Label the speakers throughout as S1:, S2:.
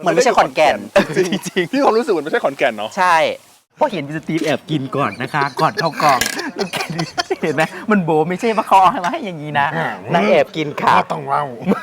S1: มันไม่ใช่ขอนแก่น
S2: จริงๆพี่ความรู้สึกมันไม่ใช่ขอนแก่นเนาะ
S1: ใช่เพราะเห็นพี่สตีฟแอบกินก่อนนะคะ ก่อนเข้ากองเห็นไหมมันโบไม่ใช่มาคอให้มาให้อย่างนี้นะนางแอบกินค่ะ
S2: ต้องเล่า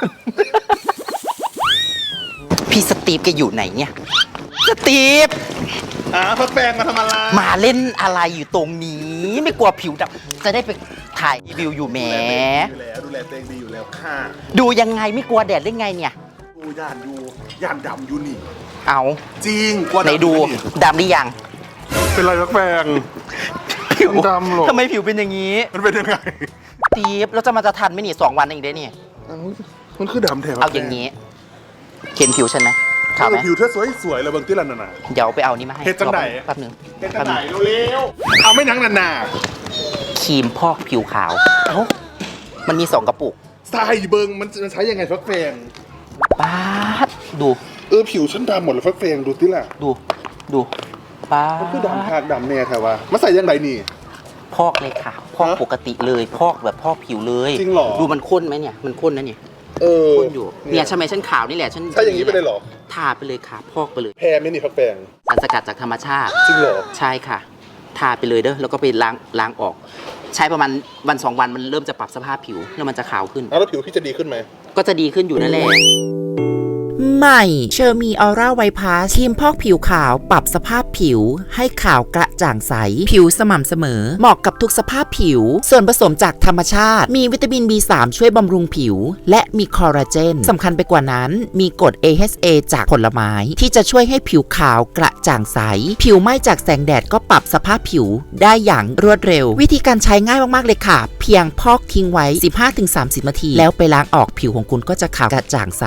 S1: พี่สตีฟแกอยู่ไหนเนี่ยสตีฟ
S2: พักแปลงมาทำอะไร
S1: มาเล่นอะไรอยู่ตรงนี้ไม่กลัวผิวดำจะได้ไปถ่ายรีวิวอยู่แหม
S2: ดูแลตัวเองดีอยู่แล้วค่ะ
S1: ดูยังไงไม่กลัวแดดได้ไงเนี่ย
S2: ดูย่านดำอยู่นี่
S1: เอา
S2: จริงกลัว
S1: ไหนดูดำหรือยัง
S2: เป็นไรพักแปลง
S1: ผิว
S2: ดำหรอ
S1: ทำไมผิวเป็นอย่างนี้
S2: มันเป็นยังไง
S1: สตีฟเราจะมาจะทันไหมนี่2 วันเองได้นี่
S2: มันคือดำแถว
S1: เอาอย่างนี้เข็นผิวฉันไหมขาวไหม
S2: ผิวเธอสวยเลยบางที่ละน่ะ
S1: เดี๋ยวไปเอานี่มาให้
S2: เฮ็ดจังไหน
S1: แป๊บนึง
S2: เป็นจังไหนเร็วๆเอาไม่นังนา
S1: ครีมพอกผิวขาว
S2: เอ้า
S1: มันมี2 กระปุก
S2: ใส่เบิงมันใช้ยังไงพักแปลง
S1: ป๊าดดู
S2: ผิวฉันดำหมดเลยพักแปลงดูที่ล่ะ
S1: ดูป๊า
S2: มันคือ
S1: ด
S2: ดำคากดำแน่แถวว่ามาใส่ยังไงนี่
S1: พอกเลยค่ะพอกปกติเลยพอกแบบพอกผิวเลย
S2: จริงเหรอ
S1: ดูมันข้นไหมเนี่ยมันข้นนะเนี่ยข้นอยู่เนี่ยทำไมฉันขาวนี่แหละฉัน
S2: ใช่อย่างนี้ไปเลยเหรอ
S1: ทาไปเลยค่ะพอกไปเลย
S2: แพ้ไหมนี่พักแปลง
S1: สารสกัดจากธรรมชาติ
S2: จริงเหรอ
S1: ใช่ค่ะ ทาไปเลยเด้อแล้วก็ไปล้างออก ใช้ประมาณวัน2 วันมันเริ่มจะปรับสภาพผิวแล้วมันจะขาวขึ้น
S2: แล้วผิวพี่จะดีขึ้นไหม
S1: ก็จะดีขึ้นอยู่นั่นแหละ
S3: ใหม่เชอร์มีออร่าไวพาสครีมพอกผิวขาวปรับสภาพผิวให้ขาวกระจ่างใส ผิวสม่ำเสมอ เหมาะกับทุกสภาพผิว ส่วนผสมจากธรรมชาติ มีวิตามิน B3 ช่วยบำรุงผิว และมีคอลลาเจนสำคัญไปกว่านั้น มีกรด AHA จากผลไม้ ที่จะช่วยให้ผิวขาวกระจ่างใส ผิวไหม้จากแสงแดดก็ปรับสภาพผิวได้อย่างรวดเร็ว วิธีการใช้ง่ายมากๆเลยค่ะ เพียงพอกทิ้งไว้ 15-30 นาทีแล้วไปล้างออกผิวของคุณก็จะขาวกระจ่างใส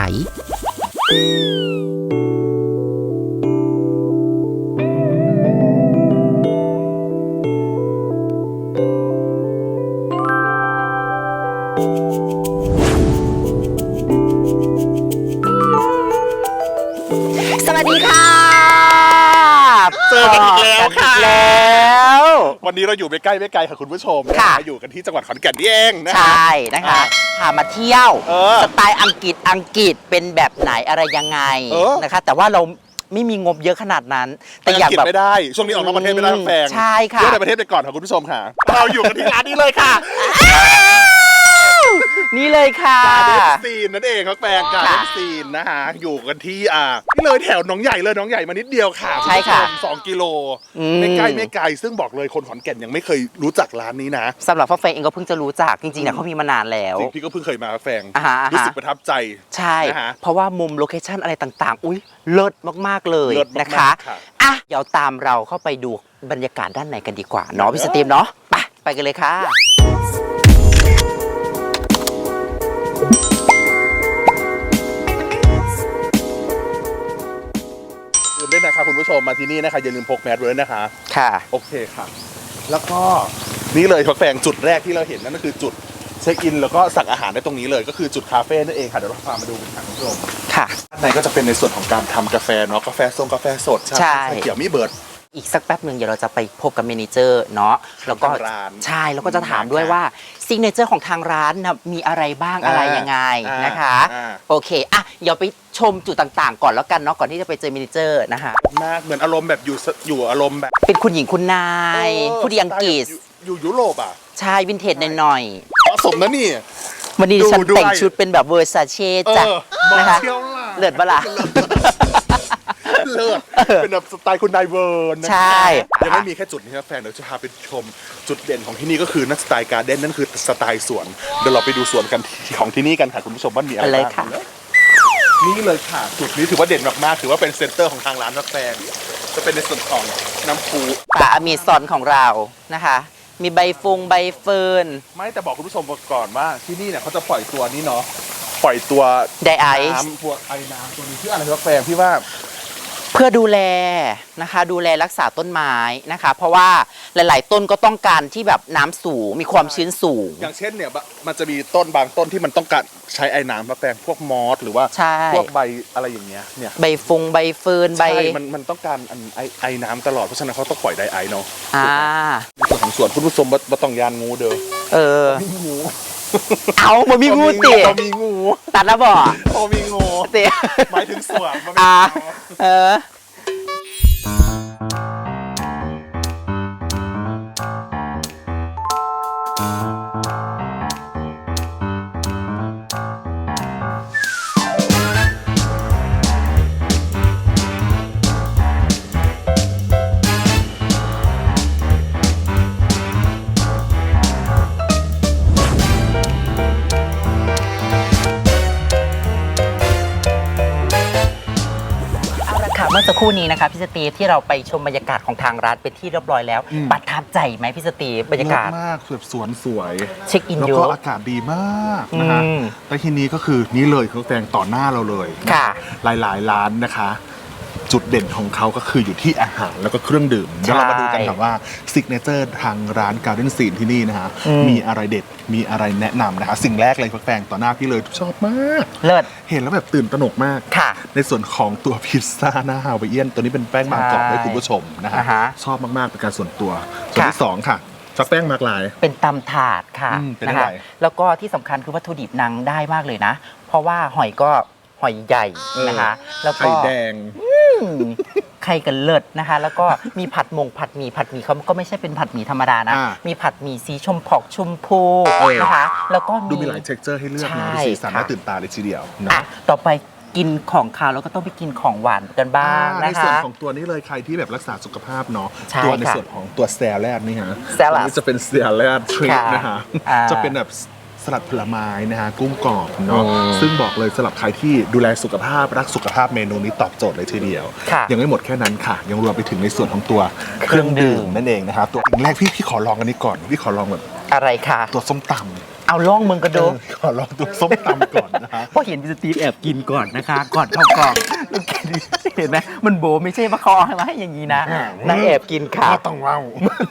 S1: สวัสดีค่ะ
S2: เจอกันอีกแล้วค่ะ
S1: แล้ว
S2: วันนี้เราอยู่ไม่ใกล้ค่ะคุณผู้ชม
S1: ค่ะ
S2: อยู่กันที่จังหวัดขอนแก่นนี่เองนะ
S1: ใช่นะคะพามาเที่ยว สไตล์อังกฤษเป็นแบบไหนอะไรยังไงนะคะ แต่ว่าเราไม่มีงบเยอะขนาดนั้น
S2: แต่
S1: แต่อยาก ก
S2: อายแบ
S1: แบบ บ
S2: ไม่ได้ ช่วงนี้ออกนอกประเทศไม่ได้แฟง
S1: ใช่ค่ะ
S2: เที่ยวในประเทศไปก่อนค่ะคุณผู้ชมค่ะ เราอยู่กันที่ร้านนี้เลยค่ะ
S1: นี่เลยค่ะ
S2: การเดนซีนนั่นเองครับแฟงการเดนซีนนะฮะอยู่กันที่นี่เลยแถวหนองใหญ่เลยหนองใหญ่มานิดเดียวค่ะ
S1: ใช่ค่ะ
S2: ณผู้ชม2 กิโล
S1: อืม
S2: ไม่ไกลซึ่งบอกเลยคนขอนแก่นยังไม่เคยรู้จักร้านนี้นะ
S1: สำหรับพ่อแฟงเองก็เพิ่งจะรู้จักจริงๆเนี่ยเขามีมานานแล้ว
S2: จริงพี่ก็เพิ่งเคยมาครับแฟง
S1: อ่าฮะ
S2: รู้สึกประทับใจ
S1: ใช่
S2: นะฮะ
S1: เพราะว่ามุมโลเคชั่นอะไรต่างๆ อุ้ยเลิศมากๆเลย
S2: เลิศมากๆ
S1: นะคะ
S2: ค่ะ
S1: อ่ะเดี๋ยวตามเราเข้าไปดูบรรยากาศด้านในกันดีกว่าเนาะพี่สตีฟเนาะไปกันเลยค่ะ
S2: ลืมด้วยนะคะคุณผู้ชมมาที่นี่นะคะอย่าลืมพกแมสด้วยนะคะ
S1: ค่ะ
S2: โอเคค่ะ แล้วก็นี่เลยพักแฟงจุดแรกที่เราเห็นนั่นก็คือจุดเช็คอินแล้วก็สั่งอาหารได้ตรงนี้เลยก็คือจุดคาเฟ่นั่นเองค่ะเดี๋ยวเราพามาดูกันค่ะคุณผู้ชม
S1: ค่ะ
S2: ด้านในก็จะเป็นในส่วนของการทำกาแฟเนาะกาแฟส้มกาแฟสด
S1: ใช่
S2: เขียวมีเบิร์ด
S1: อีกสักแป๊บหนึ่งเดี๋ยวเราจะไปพบกับเมเนเจอร์เนาะแล้วก็
S2: ทางร้าน
S1: ใช่แล้วก็จะถามด้วยว่าซิกเนเจอร์ของทางร้านนะมีอะไรบ้างอะไรยังไงนะคะ โอเคอ่ะเดี๋ยวไปชมจุดต่างๆ ก่อนแล้วกันเนาะก่อนที่จะไปเจอเมเนเจอร์นะคะ
S2: มากเหมือนอารมณ์แบบอยู่อารมณ์แบบ
S1: เป็นคุณหญิงคุณนายผู้ดีอังกฤษ
S2: อยู่ยุโรปอ่ะ
S1: ใช่วินเทจหน่อย
S2: ผสมนะนี่
S1: ๆวันนี้ดิฉัน
S2: ดู
S1: แต่ง
S2: ด้วย
S1: ชุดเป็นแบบเวอร์ซาเช่จ้ะ
S2: มา
S1: นะคะ
S2: เที่ยวล่ะ
S1: เลิศปะล่ะ
S2: เลิศเป็นแบบสไตล์คุณนายเวิร์นนะ
S1: ใช่
S2: ยังไม่มีแค่จุดนี้ครับแฟนเดี๋ยวจะพาไปชมจุดเด่นของที่นี่ก็คือนักสไตล์การ์เด้นนั่นคือสไตล์สวนเดี๋ยวเราไปดูสวนกันของที่นี่กันค่ะคุณผู้ชมว่ามีอะไร
S1: ไปเลย
S2: บ้าง
S1: ค่ะ
S2: นี่เลยค่ะจุดนี้ถือว่าเด่นมากๆถือว่าเป็นเซ็นเตอร์ของทางร้านกาแฟจะเป็นในส่วนของน้ำพุ
S1: ป่าอเมซอนของเรานะคะ มีใบฟงใบเฟิร์น
S2: ไม่แต่บอกคุณผู้ชมก่อนว่าที่นี่เนี่ยเขาจะปล่อยตัวนี้เนาะปล่อยตัว
S1: ไดไอซ์
S2: น้ำพวกไอ้น้ำตัวนี้ชื่ออะไรกาแฟพี่ว่า
S1: เพื่อดูแลนะคะดูแลรักษาต้นไม้นะคะ เพราะว่าหลาย ๆ ต้นก็ต้องการที่แบบน้ำสูงมีความชื้นสูง
S2: อย่างเช่นเนี่ยมันจะมีต้นบางต้นที่มันต้องการใช้ไอ้น้ำมาแปลงพวกมอสหรือว่า
S1: ใช่
S2: พวกใบอะไรอย่างเงี้ยเนี่ย
S1: ใบฟงใบเฟิร์นใบ
S2: ใช่มันต้องการไอ้น้ำตลอดเพราะฉะนั้นเขาต้องปล่อยไดไอเนาะ
S1: อ่า
S2: ในส่วนของสวนคุณผู้ชมบ่ต้องยานงูเด้อ
S1: เออ
S2: มีงู
S1: เอามามีงูติ
S2: บ่มีงู
S1: ตัดแล้วบ่
S2: บ่มีงู
S1: เสีย
S2: หมายถึงสวมมันไม่
S1: เออเมื่อสักครู่นี้นะคะพี่สตีฟที่เราไปชมบรรยากาศของทางร้านเป็นที่เรียบร้อยแล้วประทับใจไหมพี่สตีฟบรรยากาศ
S2: มากแบบสวนสวย
S1: เช็คอิน
S2: แล้ว
S1: เย
S2: ก็
S1: อะ
S2: อากาศดีมากนะคะและทีนี้ก็คือนี่เลยเขาแสดงต่อหน้าเราเลย
S1: ค่ะ
S2: หลายๆร้านนะคะ จุดเด่นของเขาก็คืออยู่ที่อาหารแล้วก็เครื่องดื่มเดี๋ยวเรามาดูกันค่ะว่าซิกเนเจอร์ทางร้าน Garden Scene ที่นี่นะคะมีอะไรเด็ดมีอะไรแนะนำนะคะสิ่งแรกเลยแฟงต่อหน้าพี่เลยชอบมาก
S1: เลิศ
S2: เห็นแล้วแบบตื่นตระหนกมาก
S1: ค่ะ
S2: ในส่วนของตัวพิซซ่าหน้าฮาวายเอียนตัวนี้เป็นแป้งบางกรอบให้คุณผู้ชมนะ
S1: อ่า
S2: ฮะ
S1: ฮะ
S2: ชอบมากๆเป็นการส่วนตัวส่วนที่
S1: ค่ะ
S2: สองค่ะชักแป้งมากลาย
S1: เป็นตำถาดค่ะ
S2: เป็น
S1: นะ
S2: อะไร
S1: คะแล้วก็ที่สำคัญคือวัตถุดิบนางได้มากเลยนะ เพราะว่าหอยก็หอยใหญ่นะคะ แล้วก็
S2: ไข่แดง
S1: ไข่กันเลิศนะคะ แล้วก็มีผัดหมี่เขาก็ไม่ใช่เป็นผัดหมี่ธรรมดานะ
S2: อ่า
S1: มีผัดหมี่สีชมพูนะคะ แล้วก็
S2: ดูมีหลายเท็กเจอร์ให้เลือกนะ
S1: ใช่
S2: ดูสีสัน
S1: ค่ะ
S2: น่าตื่นตาเลยทีเดียวนะ
S1: อ่ะต่อไปกินของคาวแล้วก็ต้องไปกินของหวานกันบ้าง
S2: ใน
S1: นะ
S2: ส่วน
S1: คะ
S2: ของตัวนี้เลยใครที่แบบรักษาสุขภาพเนาะ
S1: ใช่
S2: ตัวใน
S1: ค่ะ
S2: ส่วนของตัวแซลดนี่ฮะ
S1: แซลัด
S2: ตัวนี้จะเป็นแซลดทริป
S1: ค่ะ
S2: นะฮะ
S1: อ่า
S2: จะเป็นแบบสลัดผลไม้นะฮะกุ้งกรอบเนาะ
S1: อืม
S2: ซึ่งบอกเลยสำหรับใครที่ดูแลสุขภาพรักสุขภาพเมนูนี้ตอบโจทย์เลยทีเดียว
S1: ค่ะ
S2: ยังไม่หมดแค่นั้นค่ะ ยังรวมไปถึงในส่วนของตัวเครื่องดื่มนั่นเองนะคะตัวอย่างแรกพี่ขอลองอันนี้ก่อนพี่ขอลองแบบ
S1: อะไรค่ะ
S2: ตัวส้มตำ
S1: เอาล่องมึงก็ดู
S2: ขอลองตัวส้มตำก่อนนะฮะ
S1: เพราะเห็นพี่สตีฟแอบกินก่อนนะคะ ก่อนเข้ากล่องเห็นไหมมันโบไม่ใช่ว่าเขาเอามาให้อย่างนี้นะนางแอบกินค่ะ
S2: ก็ต้องเล่า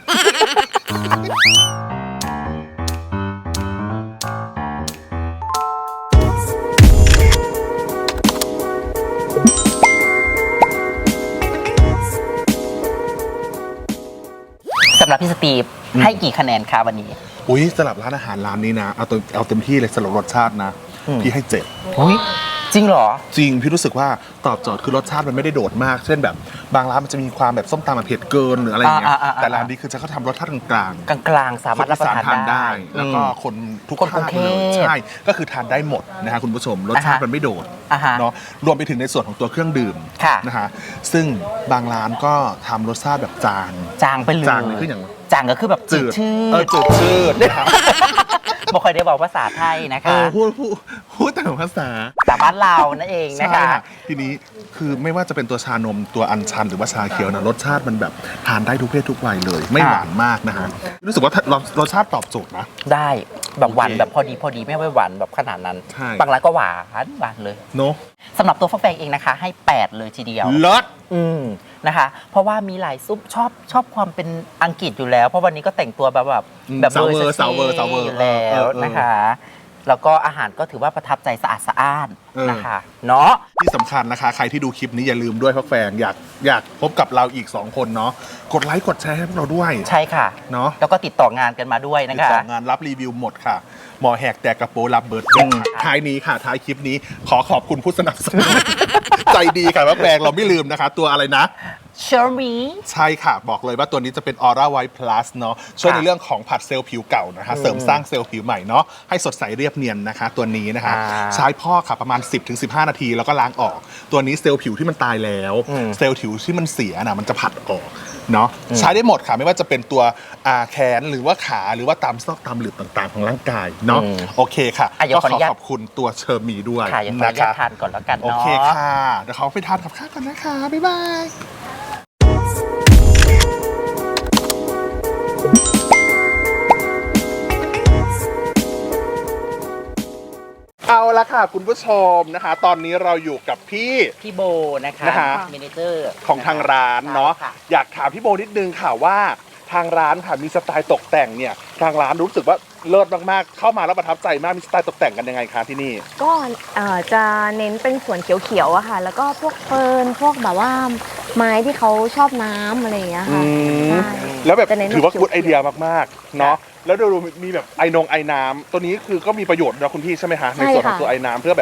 S1: สำหรับพี่สตีฟให้กี่คะแนนคะวันนี้
S2: อุ้ยสำหรับร้านอาหารร้านนี้นะเอาเต็มที่เลยสำหรับรสชาตินะ พี่ให้7
S1: อุ้ยจริงเหรอ
S2: จริงพี่รู้สึกว่าตอบโจทย์คือรสชาติมันไม่ได้โดดมาก เช่นแบบบางร้านมันจะมีความแบบส้มตำแบบเผ็ดเกินหรืออะไรอย่างเงี้ย
S1: อ่า
S2: แต่ร้านนี้คือจะเขาทำรสชาติกลาง
S1: กลางๆ
S2: ๆ
S1: สามารถรับประทานได้
S2: แล้วก็คนทุก
S1: คนกรุ
S2: ภาง ค
S1: เท
S2: เล
S1: พ
S2: ยใช่ก็คือทานได้หมดนะฮะคุณผู้ชมรสชาติมันไม่โดด
S1: อ่าฮะ
S2: เนาะรวมไปถึงในส่วนของตัวเครื่องดื่ม
S1: ค่ะ
S2: นะฮะซึ่งบางร้านก็ทำรสชาติแบบจาง
S1: จางไปเลย
S2: จางนี่คืออย่าง
S1: จางก็คือแบบจืดชื
S2: จืดชืดนะครับ
S1: บ่ค่อยได้บอกภาษาไทยนะคะ
S2: พูดแต่ภาษา
S1: แต่บ้านเรานั่นเองนะ
S2: ใช่
S1: คะ
S2: ค่ะทีนี้คือไม่ว่าจะเป็นตัวชานมตัวอัญชันหรือว่าชาเขียวนะรสชาติมันแบบทานได้ทุกเพศทุกวัยเลย ไม่หวานมากนะฮะรู้สึกว่ารสชาติตอบโจทย์นะ
S1: ได้แบบหวาน
S2: โอเค
S1: แบบพอดีไม่ไว้หวานแบบขนาดนั้น
S2: ใช่
S1: บางร้านก็หวานเลย
S2: เนาะ
S1: สำหรับตัวฟักแฟงเองนะคะ ให้ 8 เลยทีเดียว
S2: เลิศ
S1: นะคะ เพราะว่ามีหลายซุปชอบความเป็นอังกฤษอยู่แล้ว เพราะวันนี้ก็แต่งตัวแบบ
S2: สาวเวอร์
S1: ซ็กซี่อยู่แล้วนะคะ แล้วก็อาหารก็ถือว่าประทับใจสะอาดสะอ้านนะคะเนาะ
S2: ที่สำคัญนะคะ ใครที่ดูคลิปนี้อย่าลืมด้วยพักแฟนอยากพบกับเราอีก 2 คนเนาะกดไลค์กดแชร์ให้พวกเราด้วย
S1: ใช่ค่ะ
S2: เนาะ
S1: แล้วก็ติดต่องานกันมาด้วยนะ
S2: ติด
S1: คะ
S2: ต่องานรับรีวิวหมดค่ะ หมอแหกแตกกระโปรงรับเบิร์ดท้ายนี้ค่ะท้ายคลิปนี้ขอขอบคุณผู้สนับสนุน ใจดีค่ะพักแฟนเราไม่ลืมนะคะ ตัวอะไรนะ
S1: เชอร์รี่
S2: ใช่ค่ะ บอกเลยว่าตัวนี้จะเป็น Aura White Plus เนาะช่วยในเรื่องของผัดเซลล์ผิวเก่านะคะเสริมสร้างเซลล์ผิวใหม่เนาะให้สดใสเรียบเนียนนะคะ ตัวนี้นะคะ ใช้พอกค่ะประมาณ 10-15 นาทีแล้วก็ล้างออก ตัวนี้เซลล์ผิวที่มันตายแล้ว เซลล์ผิวที่มันเสียนะมันจะผัดออกเนาะใช้ได้หมดค่ะ ไม่ว่าจะเป็นตัวแขนหรือว่าขาหรือว่าตามซอกตามหลืบต่างๆของร่างกายเนาะโอเคค่ะ
S1: เดี๋ยว
S2: ก็
S1: ขออนุญาต
S2: ขอบคุณตัวเชอร์มีด้วย
S1: ค่ะอย่างขออ
S2: นะ
S1: นุญาต
S2: คะ
S1: ทานก่อนแล้วกัน
S2: โอ
S1: เนาะ
S2: เคค่ะเดี๋ยวเขาไปทานกับข้าวกันนะคะบ๊ายบาย เอาละค่ะคุณผู้ชมนะคะ ตอนนี้เราอยู่กับพี่
S1: โบนะคะ
S2: นะคะ
S1: เมเนเจอร์
S2: ของทางร้านเนาะ
S1: ใช่ค่
S2: อยากถามพี่โบนิดนึงค่ะว่าทางร้านค่ะมีสไตล์ตกแต่งเนี่ยทางร้านรู้สึกว่าเลิศมากๆเข้ามาแล้วประทับใจมากมีสไตล์ตกแต่งกันยังไงคะที่นี่
S4: ก็จะเน้นเป็นสวนเขียวๆอะค่ะ แล้วก็พวกเฟิร์นพวกแบบว่าไม้ที่เขาชอบน้ำอะไรอย่างเงี้ยค่ะใช่
S2: แล้วแบบ
S4: จะเน้น
S2: ถือว่า
S4: เขียวๆ
S2: กูดไอเดียมากๆเนาะแล้วดูมีแบบไอน้ำตัวนี้คือก็มีประโยชน์นะคุณพี่ใช่ไหมคะในส่วนของตัวไอน้ำเพื่อแบบ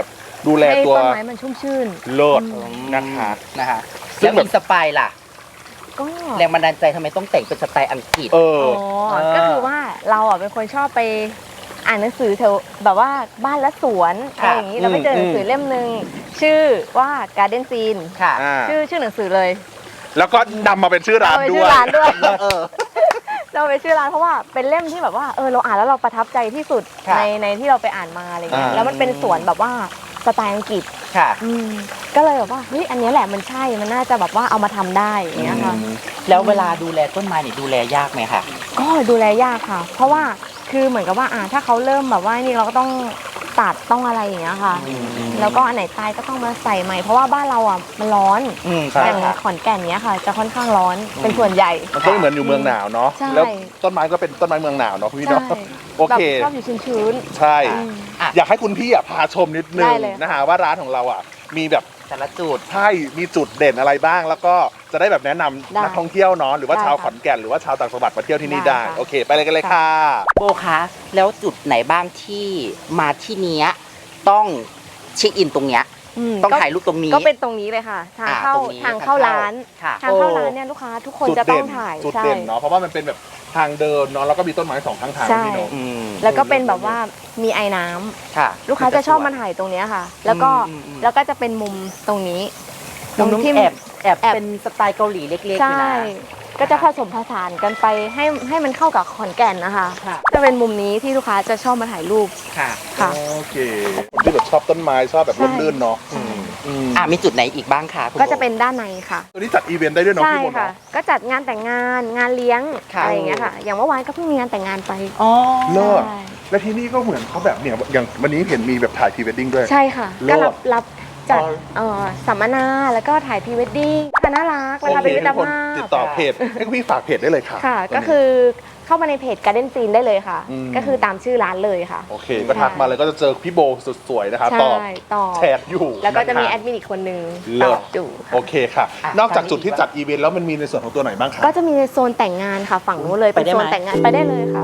S2: ดูแล
S4: ให้
S2: ตัว
S4: ต้นไม้มันชุ่มชื่น
S2: เลิศนะคะ
S1: นะคะ
S2: ซึ่
S1: แล้
S2: ง
S1: ว
S2: แบบ
S1: อินสปายล่ะ
S4: ก็
S1: แรงบันดาลใจทำไมต้องแต่งเป็นสไตล์อังกฤษ
S2: เออ
S4: ก็คือว่าเราอ่ะเป็นคนชอบไปอ่านหนังสือแถวแบบว่าบ้านและสวนอะไรอย่างนี้เราไปเจอหนังสือเล่มหนึ่งชื่อว่า Garden Scene
S1: ค่ะ
S4: ชื่อหนังสือเลย
S2: แล้วก็นำมาเป็นชื่อร้าน
S4: เอาไป
S2: ด้
S4: ชื่
S2: ว
S4: อย ร้านด้วย
S1: เออ
S4: เราไปชื่อร้านเพราะว่าเป็นเล่มที่แบบว่าเราอ่านแล้วเราประทับใจที่สุด
S1: ค่ะ
S4: ในที่เราไปอ่านมาอะไรเงี้ย
S2: อ่า
S4: แล้วมันเป็นสวนแบบว่าสไตล์อังกฤษ
S1: ค่ะ
S4: ก็เลยแบบว่าเฮ้ยอันนี้แหละมันใช่มันน่าจะแบบว่าเอามาทำได้อย่างเงี้ยค่ะ
S1: แล้วเวลาดูแลต้นไม้เนี่ยดูแลยากไหมคะ
S4: ก็ดูแลยากค่ะ เพราะว่าคือเหมือนกับว่าถ้าเขาเริ่มแบบว่านี่เราก็ต้องตัดต้องอะไรอย่างเงี้ยค่ะ แล้วก็อันไหนตายก็ต้องมาใส่ใหม่เพราะว่าบ้านเราอ่ะมันร้อน
S2: ใช่
S4: อย่างขอนแก่นเนี้ยค่ะ จะค่อนข้างร้อนเป็นส่วนใหญ่
S2: มันก็เหมือนอยู่เมืองหนาวเนาะ
S4: ใช่
S2: แล้วต้นไม้ก็เป็นต้นไม้เมืองหนาวเนาะพี่
S4: ใช่
S2: เนาะโอเค
S4: แบบชอบอยู่ชื้น
S2: ใช่
S4: อืม
S2: อยากให้คุณพี่พาชมนิดนึ
S4: ได้
S2: ง
S4: เลย
S2: นะฮะว่าร้านของเรามีแบบ
S1: แต่ละจุด
S2: ใช่มีจุดเด่นอะไรบ้าง แล้วก็จะได้แบบแนะนำ
S4: ได้
S2: นักท่องเที่ยวเนาะหรือว่า
S4: ได้
S2: ชาว
S4: ค่ะ
S2: ขอนแก่นหรือว่าชาวต่างจังหวัดมาเที่ยวที่นี่
S4: ได้
S2: ได้
S4: ค่ะ
S2: โอเค ไปเลยกันเลยค่ะ
S1: โบคะแล้วจุดไหนบ้างที่มาที่เนี้ยต้องเช็คอินตรงเนี้ย ต้อง
S4: ก็
S1: ถ่ายรูปตรงนี้
S4: ก็เป็นตรงนี้เลยค่ะ ทางเข้า
S1: ตรงนี้
S4: ทางเข้าร้าน
S1: ค่ะ
S4: ทางเข้าร้านเนี่ยลูกค้าทุกคน
S2: จุด
S4: จะต้
S2: เด่
S4: อง
S2: น
S4: ถ่าย
S2: จุด
S4: ใช่
S2: เด่นเนาะเพราะว่ามันเป็นแบบทางเดินเนาะแล้วก็มีต้นไม้สองข้างทาง
S4: ใช่
S2: พี่เนาะ
S1: อืม
S4: แล้วก็เป็นแบบว่ามีไอ้น้ำ
S1: ค่ะ
S4: ลูกค้าจะชอบมาถ่ายตรงเนี้ยค่ะ แล้วก็
S1: อืม
S4: แล้วก็จะเป็นมุมตรงนี้
S1: ตรงที่แอบ
S4: แอบ
S1: เป็นสไตล์เกาหลีเล็กๆอยู่
S4: ใช่
S1: นะ
S4: ก็จะผสมผสานกันไปให้มันเข้ากับขอนแก่นนะคะ
S1: ค่ะ
S4: จะเป็นมุมนี้ที่ลูกค้าจะชอบมาถ่ายรูป
S1: ค่ะ
S4: ค่ะ
S2: โอเคคนที่แบบชอบต้นไม้ชอบแบบร่มรื่นเนาะ
S4: ใช่
S1: มีจุดไหนอีกบ้างคะคุณ
S4: ก็จะ
S1: โบ
S4: เป็นด้านในค่ะ
S2: ตัวนี้จัดอีเวนต์ได้ด้วยเนาะ
S4: ใช่
S2: พี่มนต์
S4: ค่ะ
S2: เนาะ
S4: ก็จัดงานแต่งงานงานเลี้ยง
S1: ค่ะ
S4: อะไรอย่างเงี้ยค่ะ อย่างเมื่อวานก็เพิ่งมีงานแต่งงานไป
S1: อ๋อ
S2: เลิศ
S4: ใช่
S2: และที่นี่ก็เหมือนเขาแบบเนี่ยอย่างวันนี้เห็นมีแบบถ่ายพรีเวดดิ้งด้วย
S4: ใช่ค่ะ
S2: เลิศ
S4: ก็รับจัด
S2: อ๋อ
S4: สัมมนาแล้วก็ถ่ายพรีเวดดิ้งค่ะน่ารักเวลาเป็นมิตร
S2: ทุกคน
S4: ภาพ
S2: ติดต่อเพจให้คุณพี่ฝากเพจได้เลยค่ะ
S4: ค่ะ
S2: ตรงนี้
S4: ก็คือเข้ามาในเพจ Garden Scene ได้เลยค่ะ
S2: อืม
S4: ก็คือตามชื่อร้านเลยค่ะ
S2: โอเค ก็ทักมาเลยก็จะเจอพี่โบสุดสวยนะคะ
S4: ใช่
S2: ตอบ
S4: ตอบ
S2: แชทอยู่
S4: แล้วก็จะมี
S2: นค
S4: แอดมินอีกคนนึง
S2: เลิ
S4: ต
S2: ศ
S4: อบอยู่ค่ะ
S2: โอเคค่ะ
S1: อ่ะ
S2: นอกจากจุดที่จัดอีเวนต์แล้วมันมีในส่วนของตัวไหนบ้างคะ
S4: ก็จะมีในโซนแต่งงานค่ะ ฝั่งนู้นเลย
S1: ไป
S4: เป็น
S1: ได้
S4: โซ
S1: ไหม
S4: นแต่งงานไปได้เลยค่ะ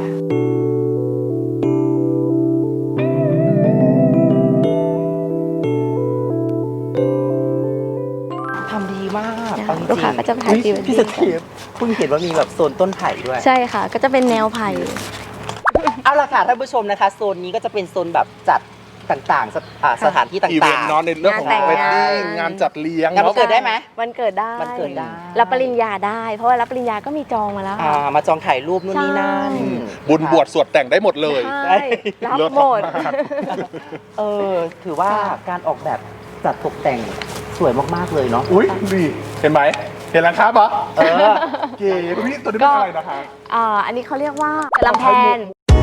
S1: ทำดีมาก
S4: ได้
S1: เอาจริงๆ
S4: ลูกค้าก็จะถ่าย
S1: อุ๊
S4: พรีเวดดิ้ง
S1: พี่สเตีฟเพิ่งเห็นว่ามีแบบโซนต้นไผ่ด้วย
S4: ใช่ค่ะ ก็จะเป็นแนวไผ่
S1: เอาล่ะค่ะท่านผู้ชมนะคะ โซนนี้ก็จะเป็นโซนแบบจัดต่างๆสถานที่ต่
S2: อีเวน
S1: าง
S2: ต์เนาะในเรื่องของ
S4: งานแต่ง
S2: เวดดิ้ง
S4: งาน
S2: งานจัดเลี้ยง
S1: งานวัน
S2: เนาะ
S1: เกิดได้ไหม
S4: วันเกิดได้
S1: วันเกิดได้
S4: รับปริญญาได้ เพราะว่ารับปริญญาก็มีจองมาแล้วค่ะ
S1: มาจองถ่ายรูปนู่นนี่นั่น
S4: ใช่
S2: บุญบวชสวดแต่งได้หมดเลย
S4: ใช่รับ
S2: เลิศ
S4: หมด
S2: มาก
S1: ถือว่า
S4: ค่ะ
S1: การออกแบบจัดตกแต่งสวยมากๆเลยเนาะ
S2: อุ้ยดีเห็นไหมเห็นแล้วครับปะ
S1: เออ
S2: เก๋คุณพี่ตัวนี้เป็นอะไรนะคะ
S4: อันนี้เขาเรียกว่าลำแพน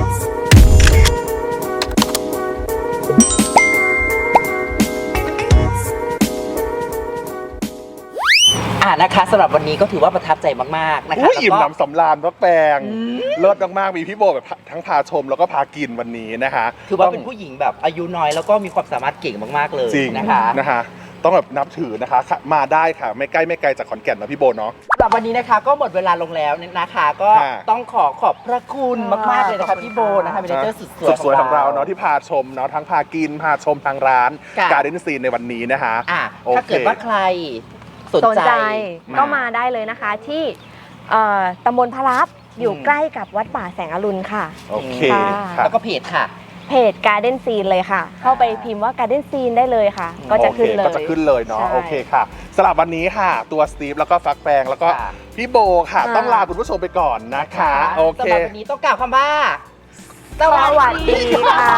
S1: นะคะสำหรับวันนี้ก็ถือว่าประทับใจมากๆนะคะ
S2: อุ้ยอิ่ม
S1: แล้วก็
S2: หนำสำราญพักแปลงเลิศมากๆมีพี่โบแบบทั้งพาชมแล้วก็พากินวันนี้นะคะ
S1: ถือว่าเป็นผู้หญิงแบบอายุน้อยแล้วก็มีความสามารถเก่งมากๆเลย
S2: จริง
S1: นะคะ
S2: นะคะต้องแบบนับถือนะคะมาได้ค่ะไม่ใกล้ไม่ไกลจากขอนแก่นนะพี่โบเนาะ
S1: สำหรับวันนี้นะคะก็หมดเวลาลงแล้วนะคะ ก็
S2: ค่ะ
S1: ต้องขอบพระคุณมากๆเลยนะคะพี่โบนะคะเมเนเจอร์สุด
S2: สุดสวยของเราเนาะที่พาชมเนาะทั้งพากินพาชมทางร้าน
S1: ค่ะ
S2: Garden Scene ในวันนี้นะคะ โอเค
S1: ถ้าเกิดว่าใครสน
S4: สน
S1: ใจ
S4: ใจก็มาได้เลยนะคะที่ตำบลพระลับอยู่ใกล้กับวัดป่าแสงอรุณค่ะ
S2: โอเค
S4: ค่ะ
S2: ค่ะ
S1: แล้วก็เพจค่ะ
S4: เพจ Garden Scene เลยค่ะ เข้าไปพิมพ์ว่า Garden Scene ได้เลยค่ะ ก็จะขึ้นเลย
S2: ก็จะขึ้นเลยเนาะ
S4: ใช่
S2: โอเคค่ะสำหรับวันนี้ค่ะ ตัวสตีฟแล้วก็ฟักแปงแล้วก็
S1: ค่ะ
S2: พี่โบค่ะ ต้องลาคุณผู้ชมไปก่อนนะคะ โอเค
S1: สำหรับวันนี้ต้องกล่าวคำว่า
S4: สวัสดีค่ะ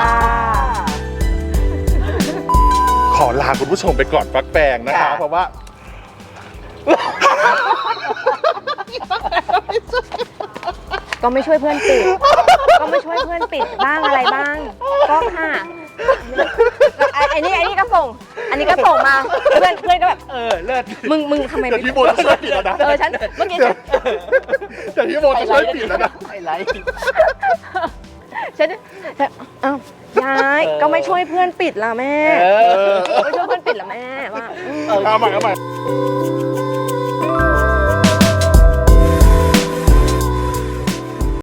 S2: ขอลาคุณผู้ชมไปก่อนฟักแปงนะคะ
S1: ค่ะ
S2: เพราะว่า
S4: ก็ไม่ช่วยเพื่อนปิด ก็ไม่ช่วยเพื่อนปิดบ้างอะไรบ้าง ก็ค่ะอันนี้ก็ส่ง อันนี้ก็ส่งมา เพื่อนก็แบบ
S1: เลิศ
S4: มึงทำไม
S2: เดี๋ยวพี่โบจะช่วยปิดแล้วนะ
S4: ฉันเมื่อกี้
S2: แต่พี่โบจะช่วยปิดแล้วนะ
S1: ไฮไลท์
S4: ฉันเอ้ายายก็ไม่ช่วยเพื่อนปิดล่ะแม่
S1: เออ
S4: ไม่ช่วยเพื่อนปิดล่ะแม่ว่า
S2: เอาใหม่